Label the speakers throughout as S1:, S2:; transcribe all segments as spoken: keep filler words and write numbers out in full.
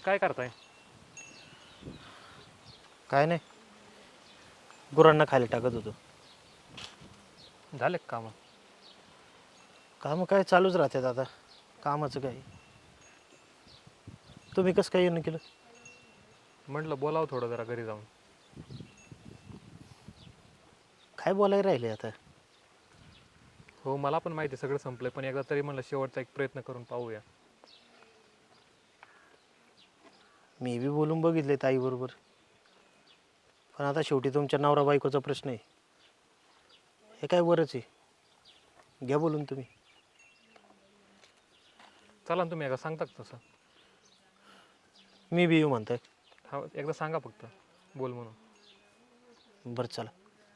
S1: काय करताय?
S2: काय नाही, गुरांना खाली टाकत होतो.
S1: झाले का कामं?
S2: कामं काय चालूच राहतात आता, कामाचं काय. तुम्ही कसं काय येणं केलं?
S1: म्हटलं बोलावं थोडं जरा घरी जाऊन.
S2: काय बोलायला राहिले आता?
S1: हो मला पण माहिती आहे सगळं संपलंय, पण एकदा तरी म्हणलं शेवटचा एक प्रयत्न करून पाहूया.
S2: मी बी बोलून बघितले ताईबरोबर, पण आता शेवटी तुमच्या नवरा बायकोचा प्रश्न आहे. हे काय बरंच आहे, घ्या बोलून तुम्ही.
S1: चला ना तुम्ही एकदा सांगता का तसं?
S2: मी बी येऊ म्हणताय?
S1: हा एकदा सांगा फक्त बोल म्हणून.
S2: बरं चला.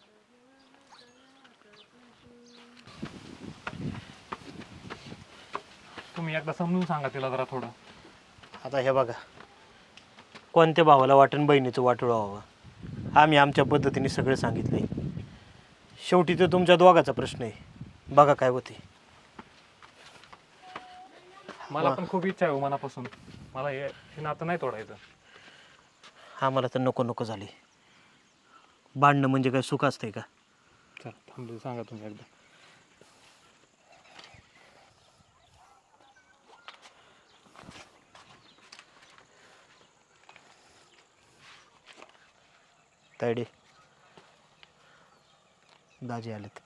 S1: तुम्ही एकदा समजून सांगा तिला जरा थोडं.
S2: आता हे बघा, कोणत्या भावाला वाटण बहिणीचं वाटोळं व्हावं, आम्ही आमच्या पद्धतीने सगळं सांगितलं आहे. शेवटी तो तुमच्या दोघाचा प्रश्न आहे, बघा काय होते.
S1: मला पण खूप इच्छा आहे हो मनापासून, मला हे हे नातं नाही तोडायचं.
S2: आम्हाला तर नको नको झाली. भांडणं म्हणजे काय सुख असतंय का?
S1: चल थांबले सांगा तुम्ही एकदा.
S2: तायडे, दाजी आलेत.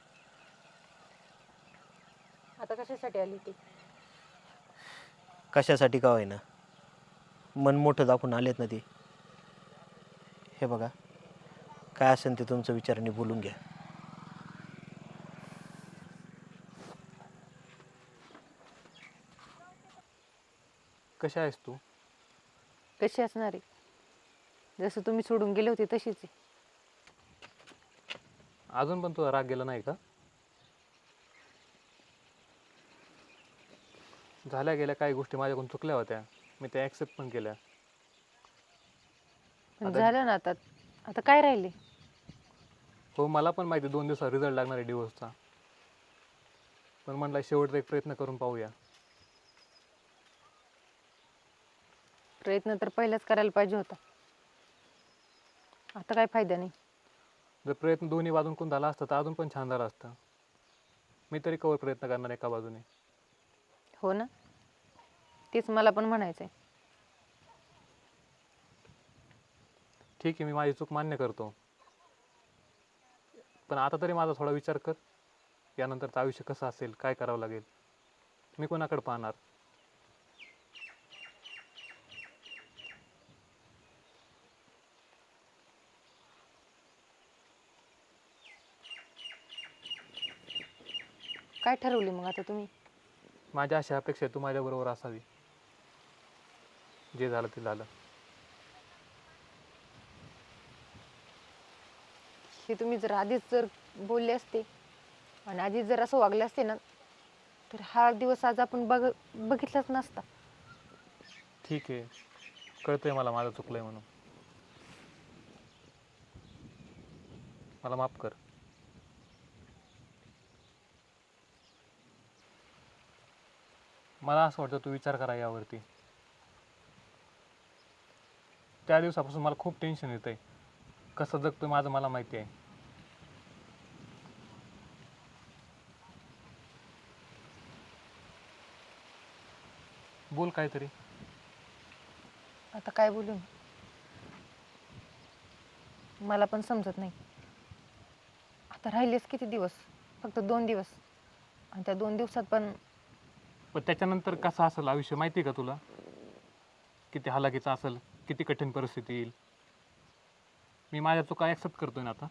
S3: आता कशासाठी आली ती?
S2: कशासाठी का होईना, मन मोठं दाखवून आलेत ना ते. हे बघा, काय असेल ते तुमचं विचाराने बोलून घ्या.
S1: कशी आहेस तू?
S3: कशी असणार आहे? जसं तुम्ही सोडून गेले होते तशीच आहे.
S1: अजून पण तुझा राग गेला नाही का? झाल्या गेल्या काही गोष्टी माझ्याकडून चुकल्या होत्या, मी त्या ॲक्सेप्ट पण केल्या.
S3: पण
S1: आता-
S3: झालं ना आता. आता काय राहिले?
S1: हो मला पण माहिती दोन दिवसात रिझल्ट लागणार आहे डिवोर्सचा, पण म्हटलं शेवटचा एक प्रयत्न करून पाहूया.
S3: प्रयत्न तर पहिलाच करायला पाहिजे होता. आता काय फायदा नाही.
S1: जर प्रयत्न दोन्ही बाजूंकडून झाला असता तर अजून पण छान झालं असतं. मी तरी कवर प्रयत्न करणार एका बाजूने.
S3: हो ना, तेच मला पण म्हणायचं आहे.
S1: ठीक आहे, मी माझी चूक मान्य करतो, पण आता तरी माझा थोडा विचार कर. यानंतरचं आयुष्य कसं असेल, काय करावं लागेल, मी कोणाकडे पाहणार?
S3: काय ठरवले मग आता तुम्ही?
S1: माझ्या अशा अपेक्षा आहे तू माझ्याबरोबर असावी. जे झालं ते झालं.
S3: हे तुम्ही जर आधीच जर बोलले असते आणि आधीच जर असं वागले असते ना, तर हा दिवस आज आपण बघ बघितलाच नसता.
S1: ठीक आहे, कळतंय मला माझं चुकलंय म्हणून. मला माफ कर. मला असं वाटतं तू विचार करा यावरती. त्या दिवसापासून मला खूप टेन्शन येतंय. कसं जगतोय माझं मला माहिती आहे. बोल काहीतरी.
S3: आता काय बोलू? मला पण समजत नाही. आता राहिलेच किती दिवस? फक्त दोन दिवस, आणि त्या दोन दिवसात पण
S1: पण त्याच्यानंतर कसं असेल आयुष्य माहिती आहे का तुला? किती हालाकीचं असेल, किती कठीण परिस्थिती येईल. मी माझ्या चुका ॲक्सेप्ट करतोय ना आता.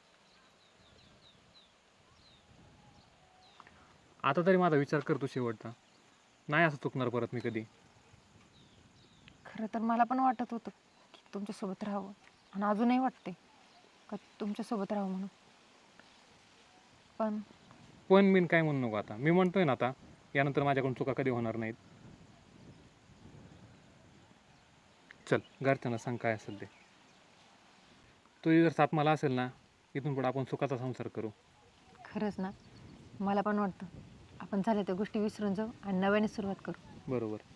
S1: आता तरी माझा विचार करतो शेवटचा. नाही असं चुकणार परत मी कधी.
S3: खरं तर मला पण वाटत होतं की तुमच्यासोबत राहावं, आणि अजूनही वाटते का तुमच्यासोबत राहावं म्हणून. पण
S1: पण मी काय म्हणू नको आता. मी म्हणतोय ना आता, यानंतर माझ्याकडून चुका कधी होणार नाहीत. चल घरच्यांना सांग काय असेल ते. तुझी जर साथ मला असेल ना, इथून पुढे आपण सुखाचा संसार करू.
S3: खरंच ना, मला पण वाटतं आपण झाल्या त्या गोष्टी विसरून जाऊ आणि नव्याने सुरुवात करू.
S1: बरोबर.